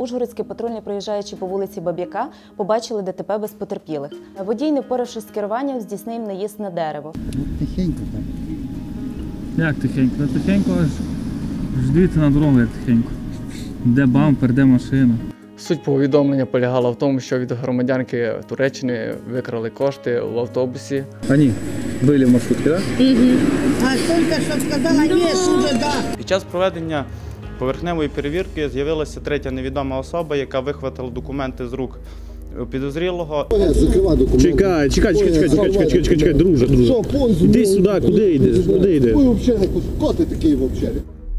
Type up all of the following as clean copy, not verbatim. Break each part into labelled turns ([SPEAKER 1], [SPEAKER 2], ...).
[SPEAKER 1] Ужгородські патрульні, проїжджаючи по вулиці Баб'яка, побачили ДТП без потерпілих. Водій, не впоравшись з керуванням, здійснив наїзд на дерево.
[SPEAKER 2] Тихенько так.
[SPEAKER 3] Як тихенько? Та тихенько аж дивіться на дорогу, як тихенько. Де бампер, де машина.
[SPEAKER 4] Суть повідомлення полягала в тому, що від громадянки Туреччини викрали кошти в автобусі.
[SPEAKER 3] Вони були в маршрутці, так?
[SPEAKER 2] А тільки що сказала, є, уже, да.
[SPEAKER 5] Під час проведення поверхневої перевірки з'явилася третя невідома особа, яка вихватила документи з рук підозрілого.
[SPEAKER 6] Закривай документи.
[SPEAKER 7] Чекай, друже. Іди сюди, куди йдеш? Куди йдеш?
[SPEAKER 6] Ви взагалі, хто ти такий взагалі?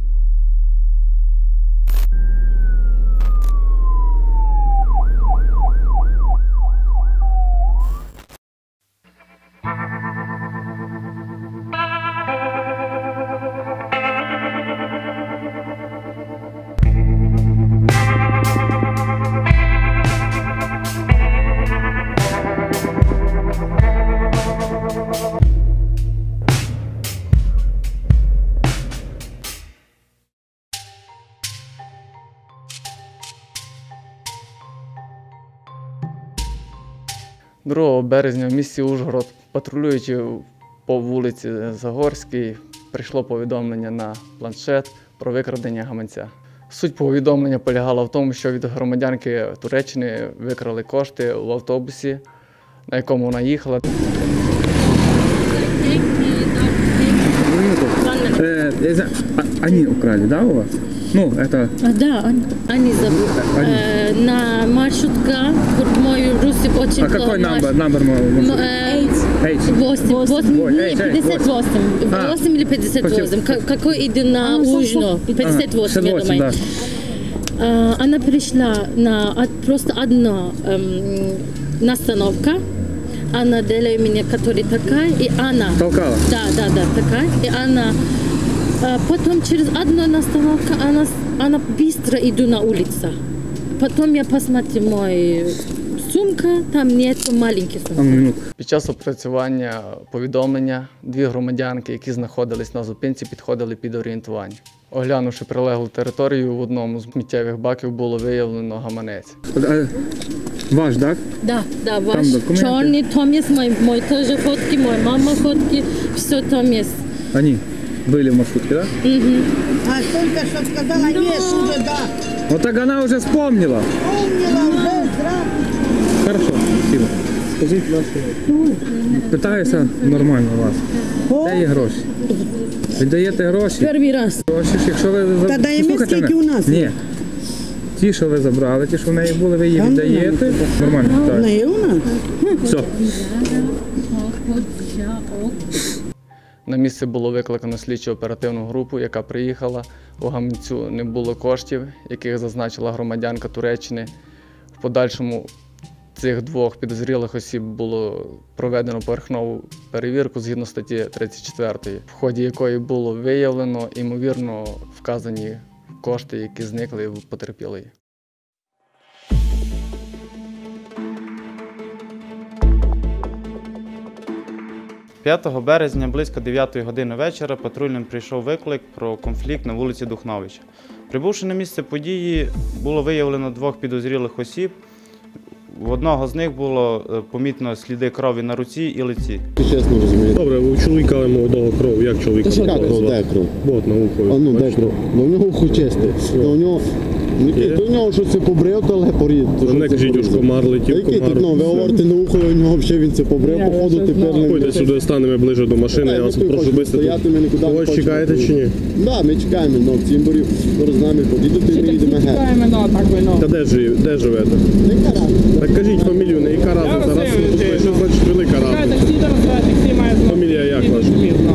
[SPEAKER 4] – 2 березня в місті Ужгород, патрулюючи по вулиці Загорській, прийшло повідомлення на планшет про викрадення гаманця. Суть повідомлення полягала в тому, що від громадянки Туреччини викрали кошти в автобусі, на якому вона їхала.
[SPEAKER 3] Они украли, да, у вас? Ну, это...
[SPEAKER 8] Да, они забыли. На маршрутка, мой русик очень...
[SPEAKER 3] А какой номер?
[SPEAKER 8] 8 или 58. Какой иду на Ужно? 58, я думаю. Она пришла на просто одна остановка. Она делает меня, которая такая, и она...
[SPEAKER 3] Толкала?
[SPEAKER 8] Да, такая. И она... Потом через одну остановку она быстро иду на улицу. Потом я посмотрю мою сумка, там нет маленьких сумок.
[SPEAKER 4] Під час опрацювання повідомлення 2 громадянки, які знаходились на зупинці, підходили під орієнтування. Оглянувши прилеглу територію, в одному з сміттєвих баків було виявлено гаманець.
[SPEAKER 3] Ваш, так?
[SPEAKER 8] Да, ваш. Чорний, там є мої теж фотки, моя мама фотки, все там є.
[SPEAKER 3] Они были в маршрутке, да?
[SPEAKER 2] А тільки що сказала, є, уже, да.
[SPEAKER 3] Вот так она уже вспомнила.
[SPEAKER 2] Помнила вже, зразу.
[SPEAKER 3] Хорошо, спасибо. Скажіть ваші. Питаюся нормально вас. Де є гроші? Віддаєте гроші?
[SPEAKER 8] Перший раз.
[SPEAKER 3] Гроші, якщо ви...
[SPEAKER 2] Та даємо
[SPEAKER 3] Слухайте
[SPEAKER 2] скільки
[SPEAKER 3] мене.
[SPEAKER 2] у нас?
[SPEAKER 3] Ні. Ті, що ви забрали, ті, що в неї були, ви її віддаєте. Нормально, так.
[SPEAKER 2] Не у нас?
[SPEAKER 3] Все.
[SPEAKER 4] На місце було викликано слідчо-оперативну групу, яка приїхала. У гаманцю не було коштів, яких зазначила громадянка Туреччини. В подальшому цих 2 підозрілих осіб було проведено поверхнову перевірку згідно статті 34, в ході якої було виявлено, ймовірно, вказані кошти, які зникли в потерпілої.
[SPEAKER 5] – 5 березня близько 9 години вечора патрульним прийшов виклик про конфлікт на вулиці Духновича. Прибувши на місце події, було виявлено 2 підозрілих осіб. У одного з них було помітно сліди крові на руці і лиці.
[SPEAKER 6] Чесно розумієте.
[SPEAKER 7] Добре, у чоловіка молодого кров. Як чоловіка?
[SPEAKER 6] Як кров, де кров?
[SPEAKER 7] От, на ухо.
[SPEAKER 6] А ну, де кров? Ну, в нього ухо чисте. У нього щось це побрив, то лепорід.
[SPEAKER 7] Не кажіть, уж комар летів,
[SPEAKER 6] Який
[SPEAKER 7] комар.
[SPEAKER 6] тут, ви говорите на ухо, у нього взагалі він це побрив, походу тепер не...
[SPEAKER 7] Ходьте сюди, станемо ближче до машини, я вас прошу швидко. Когось чекаєте чи ні?
[SPEAKER 6] Так, ми чекаємо, але в Цімборі з нами поїдете і ми їдемо геть.
[SPEAKER 7] Та де живете? Так кажіть фамілію, не яка разниця, раз що значить велика разниця. Фамілія як ваша?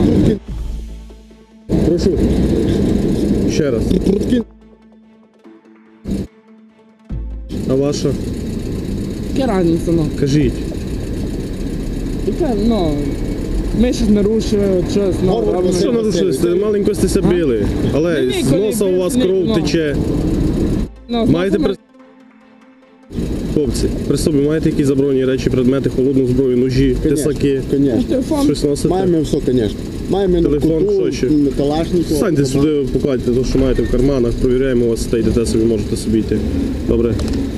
[SPEAKER 7] Прошу. Ще раз. А ваша?
[SPEAKER 9] Яка разниця, ну?
[SPEAKER 7] Кажіть.
[SPEAKER 9] Яка, ну, ми щось нарушили, щось, ну...
[SPEAKER 7] Що нарушили? Маленько стеся били, але з носа у вас кров тече. Маєте при... Хлопці, при собі маєте якісь заборонені речі, предмети, холодну зброю, ножі, тисаки?
[SPEAKER 6] Звісно.
[SPEAKER 7] Щось носите?
[SPEAKER 6] Маємо все, звісно. Маємо
[SPEAKER 7] Телефон,
[SPEAKER 6] куту,
[SPEAKER 7] що ще?
[SPEAKER 6] Калашникова.
[SPEAKER 7] Станьте сюди, покладьте те, що маєте в карманах, провіряємо вас, та йдете собі, можете собі йти. Добре.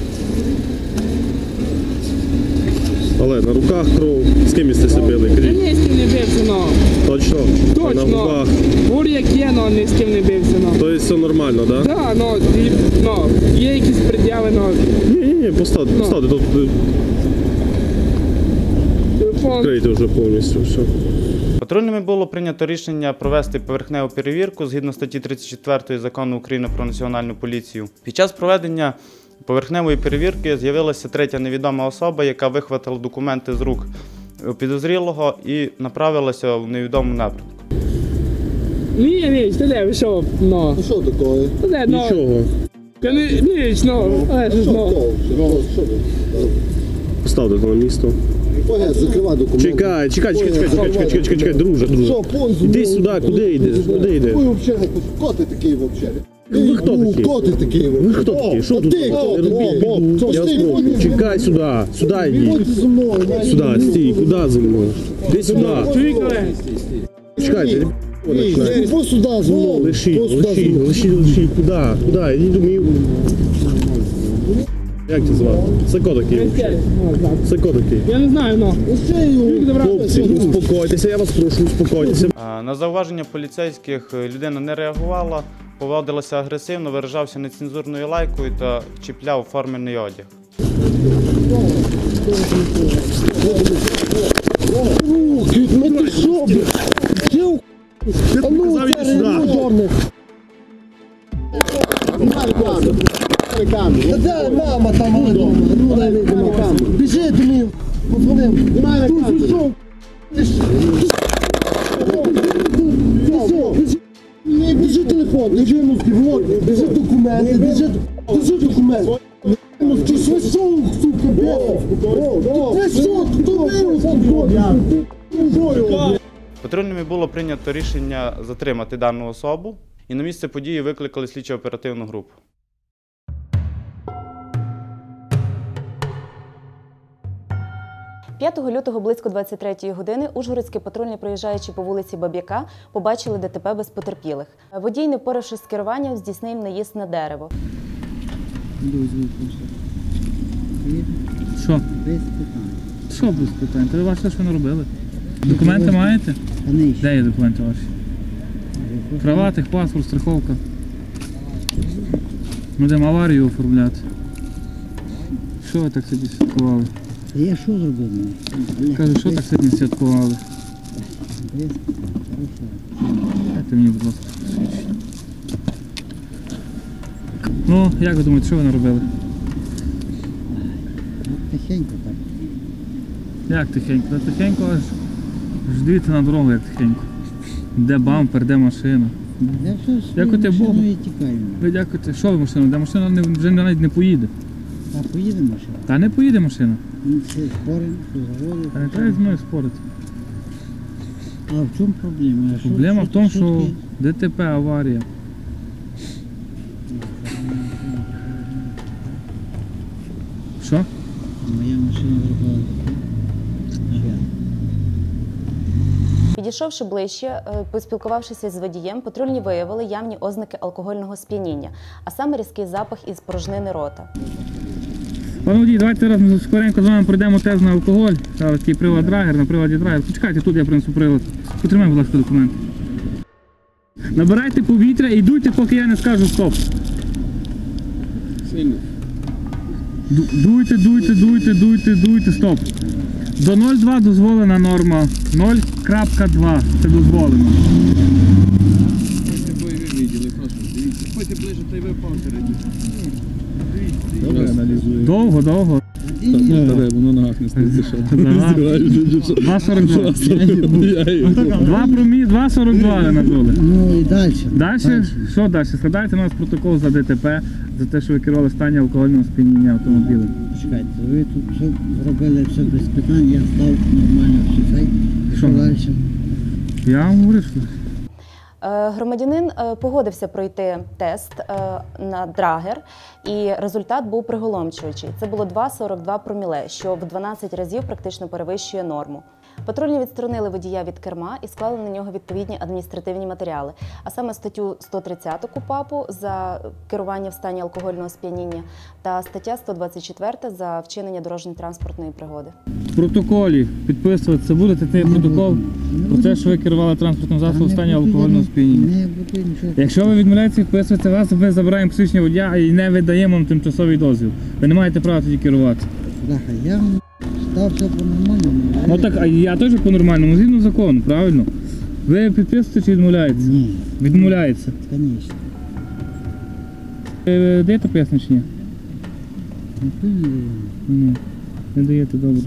[SPEAKER 7] Але на руках кров. З ким сте себе били?
[SPEAKER 9] Я
[SPEAKER 7] Кажіть.
[SPEAKER 9] ні з ким не бився, но.
[SPEAKER 7] Точно? А на
[SPEAKER 9] Точно.
[SPEAKER 7] руках.
[SPEAKER 9] Бур'як є, но ні з ким не бився, но.
[SPEAKER 7] Тобто все нормально, так? Да?
[SPEAKER 9] Так, но є якісь пред'яви, но
[SPEAKER 7] Ні, поставте, тут
[SPEAKER 9] телефон.
[SPEAKER 7] відкрийте вже повністю все.
[SPEAKER 5] Патрульними було прийнято рішення провести поверхневу перевірку згідно статті 34 Закону України про Національну поліцію. Під час проведення поверхневої перевірки з'явилася третя невідома особа, яка вихватила документи з рук підозрілого і направилася в невідомому напрямку.
[SPEAKER 9] Ні, ти де, ви що, но.
[SPEAKER 6] Ну що таке?
[SPEAKER 9] Ти де, но.
[SPEAKER 7] Нічого.
[SPEAKER 9] Ніч, но.
[SPEAKER 6] Що ви?
[SPEAKER 7] Поставте то на місто.
[SPEAKER 6] Погад, закривай документи.
[SPEAKER 7] Чекай, друже.
[SPEAKER 6] Що, пон зі
[SPEAKER 7] Іди
[SPEAKER 6] мною?
[SPEAKER 7] сюди, куди йдеш? Куди йдеш?
[SPEAKER 6] Ви взагалі, хто ти такий взагалі?
[SPEAKER 7] Ви хто такі?
[SPEAKER 6] Хто ти такий?
[SPEAKER 7] Ви хто такі? Що тут?
[SPEAKER 6] Ти хто?
[SPEAKER 7] Не робіть біду. Я вас прошу. Чекай сюди. Сюди
[SPEAKER 6] Виходь
[SPEAKER 7] йди.
[SPEAKER 6] зі мною.
[SPEAKER 7] Сюди, стій. Куди зі мною? Іди сюди. Чекайте.
[SPEAKER 6] Ось сюди зі мною.
[SPEAKER 7] Лишіть. Куди? Іди до мій. Як тебе звати? Це хто такий? Це хто такий?
[SPEAKER 9] Я не знаю, но.
[SPEAKER 7] Хлопці, успокойтеся, я вас прошу, успокойтеся.
[SPEAKER 5] На зауваження поліцейських людина не реагувала, поводилася агресивно, виражався нецензурною лайкою та чіпляв формений одяг.
[SPEAKER 6] Ти що, блядь? А ну,
[SPEAKER 7] Завідь
[SPEAKER 6] це
[SPEAKER 7] сюди.
[SPEAKER 6] дорник. Та де мама там вдома? Ну, дай вийдемо камеру. Біжи до мене. Позвонив. Тут пішов. Біжи телефон, біжи мозки, влог, біжи документи, біжи документи. Ти що, сука, блядь? Ти що, хто вирус?
[SPEAKER 5] Патрульними було прийнято рішення затримати дану особу, і на місце події викликали слідчо-оперативну групу.
[SPEAKER 1] – 5 лютого близько 23-ї години ужгородські патрульні, проїжджаючи по вулиці Баб'яка, побачили ДТП без потерпілих. Водій, не впоравшись з керуванням, здійснив наїзд на дерево.
[SPEAKER 3] Що? Що без питань? Та ви бачите, що не робили? Документи маєте? Де є документи ваші? Права, техпаспорт, страховка. Ми будемо аварію оформляти. Що ви так собі святкували?
[SPEAKER 2] Я що зробив?
[SPEAKER 3] Кажу, що так сьогодні святкували? Дайте мені, будь ласка, посвідчення. Ну, як ви думаєте, що ви наробили?
[SPEAKER 2] Тихенько так.
[SPEAKER 3] Як тихенько? Та тихенько аж дивіться на дорогу, як тихенько. Де бампер, де машина.
[SPEAKER 2] Я все
[SPEAKER 3] Дякуйте Богу.
[SPEAKER 2] і тікаю.
[SPEAKER 3] Ви дякуєте. Що ви машина? Де машина вже навіть не поїде.
[SPEAKER 2] А поїдемо ще?
[SPEAKER 3] Та не поїде машина.
[SPEAKER 2] Ми все споримо, все заводимо.
[SPEAKER 3] Та не треба зі мною спорити.
[SPEAKER 2] А в чому проблема?
[SPEAKER 3] Проблема в тому, що ДТП, аварія. Що?
[SPEAKER 2] Моя машина зробила.
[SPEAKER 1] Підійшовши ближче, поспілкувавшися з водієм, патрульні виявили явні ознаки алкогольного сп'яніння, а саме різкий запах із порожнини рота.
[SPEAKER 3] Пане водій, давайте зараз ми скоренько з вами пройдемо тест на алкоголь. Зараз такий прилад драгер, на приладі драгер. Почекайте, тут я принесу прилад. Потримай, будь ласка, документ. Набирайте повітря і дуйте, поки я не скажу стоп.
[SPEAKER 7] Сильно.
[SPEAKER 3] Дуйте, стоп. До 0,2 дозволена норма. 0,2 це дозволено. Довго.
[SPEAKER 7] Воно на ногах не стоїть.
[SPEAKER 3] 2,42. 2,42 ви надули.
[SPEAKER 2] Ну і далі.
[SPEAKER 3] Далі? Що далі? Складайте на нас протокол за ДТП, за те, що ви керували в стані алкогольного сп'яніння автомобілем.
[SPEAKER 2] Чекайте, ви тут все зробили все без питань, я став нормально все цей. І що далі?
[SPEAKER 3] Я вам говорю, що...
[SPEAKER 1] Громадянин погодився пройти тест на драгер, і результат був приголомшуючий. Це було 2,42 проміле, що в 12 разів практично перевищує норму. Патрульні відсторонили водія від керма і склали на нього відповідні адміністративні матеріали, а саме статтю 130 КУпАПу за керування в стані алкогольного сп'яніння та стаття 124 за вчинення дорожньо-транспортної пригоди.
[SPEAKER 3] В протоколі підписуватися будете цей протокол про те, що ви керували транспортним засобом в стані алкогольного сп'яніння.
[SPEAKER 2] Не буду нічого.
[SPEAKER 3] Якщо ви відмовляєтеся підписуватися вас, ми забираємо посвідчення водія і не видаємо вам тимчасовий дозвіл. Ви не маєте права тоді керувати.
[SPEAKER 2] Бляха, я став все по-нормальному.
[SPEAKER 3] Ну так, а я теж по-нормальному, згідно закону, правильно? Ви підписуєте чи відмовляєтеся?
[SPEAKER 2] Ні,
[SPEAKER 3] Відмовляється.
[SPEAKER 2] звісно.
[SPEAKER 3] Ви даєте пояснення чи ні? Ні. Не даєте, добре.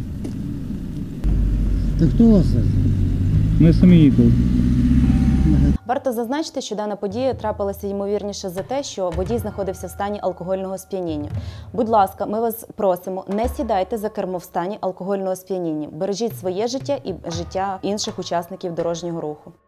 [SPEAKER 2] Так хто вас?
[SPEAKER 3] Ми самі їхали.
[SPEAKER 1] Варто зазначити, що дана подія трапилася ймовірніше за те, що водій знаходився в стані алкогольного сп'яніння. Будь ласка, ми вас просимо, не сідайте за кермо в стані алкогольного сп'яніння. Бережіть своє життя і життя інших учасників дорожнього руху.